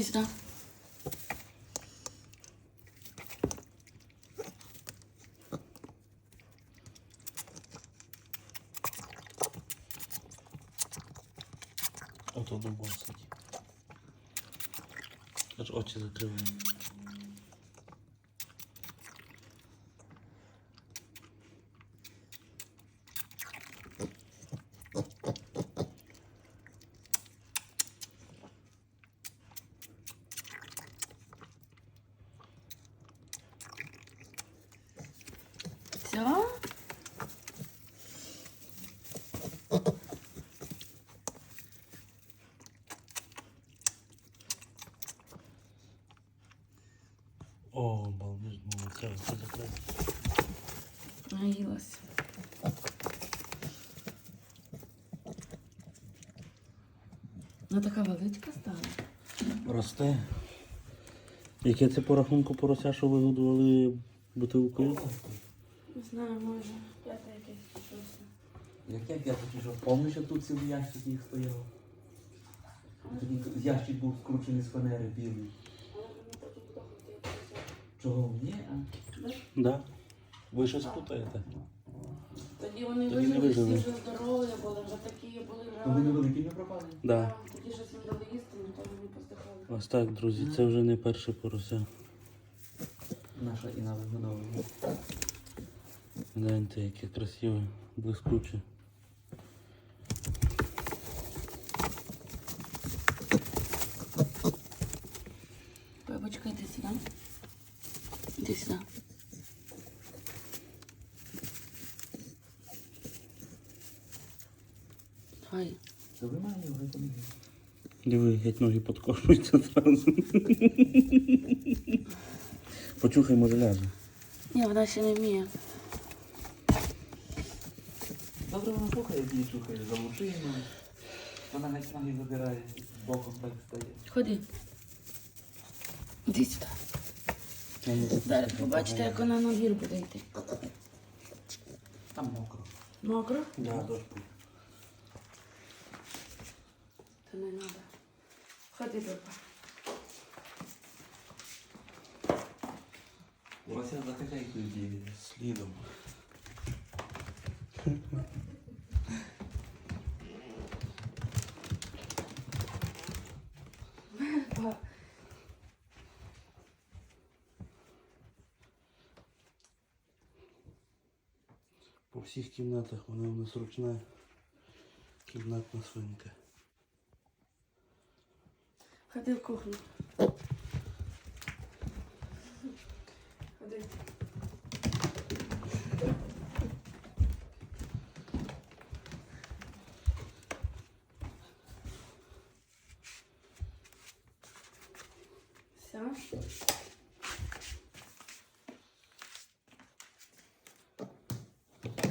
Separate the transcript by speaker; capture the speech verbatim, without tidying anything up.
Speaker 1: сюди.
Speaker 2: Ото дубом сидить. Аж очі закриває.
Speaker 1: Все?
Speaker 2: О, балдеж, молодця, все закрито.
Speaker 1: Наїлась. Вона така величка стала.
Speaker 2: Росте. Яке це по рахунку порося, що ви годували бутилкою?
Speaker 1: Не знаю, може, п'яте якесь чи щось.
Speaker 3: Яке п'яте чи що? Помниш, що тут цілий ящик їх стояв? Тоді ящик був скручений з фанери білий. Чого? Ні? А?
Speaker 2: Да. Ви щось плутаєте.
Speaker 1: Тоді вони
Speaker 2: Тоді не
Speaker 1: вижили, всі
Speaker 2: вижили.
Speaker 1: вже здорові були, вже такі були вже.
Speaker 3: То ви невеликі не пропали?
Speaker 2: Да.
Speaker 1: Тоді щось їм дали їсти, але то вони поздихали.
Speaker 2: Ось так, друзі, це вже не перше порося.
Speaker 3: Наша Інна вигодовує.
Speaker 2: Гляньте, яке красиве, блискуче.
Speaker 1: Бабочка, йди сюди. Іди сюди. Давай.
Speaker 3: Та ви маєте його там.
Speaker 2: Диви, геть ноги подкошуються зразу. Почухай, може ляже.
Speaker 1: Ні, вона ще не вміє.
Speaker 3: Добре вона слухає, її чухає за лучину. Вона геть ноги забирає, боком так стає.
Speaker 1: Ходи. Іди сюди. Зараз побачите, як вона на двір буде йти.
Speaker 3: Там мокро.
Speaker 1: Мокро?
Speaker 2: Да.
Speaker 3: Дощ був.
Speaker 1: Та не треба. Ходи, папа.
Speaker 3: Вася за хазяйкою діє.
Speaker 2: Слідом. По всіх кімнатах вона у нас ручна кімнатна свинка.
Speaker 1: Ходи в кухню. Ходи. Все.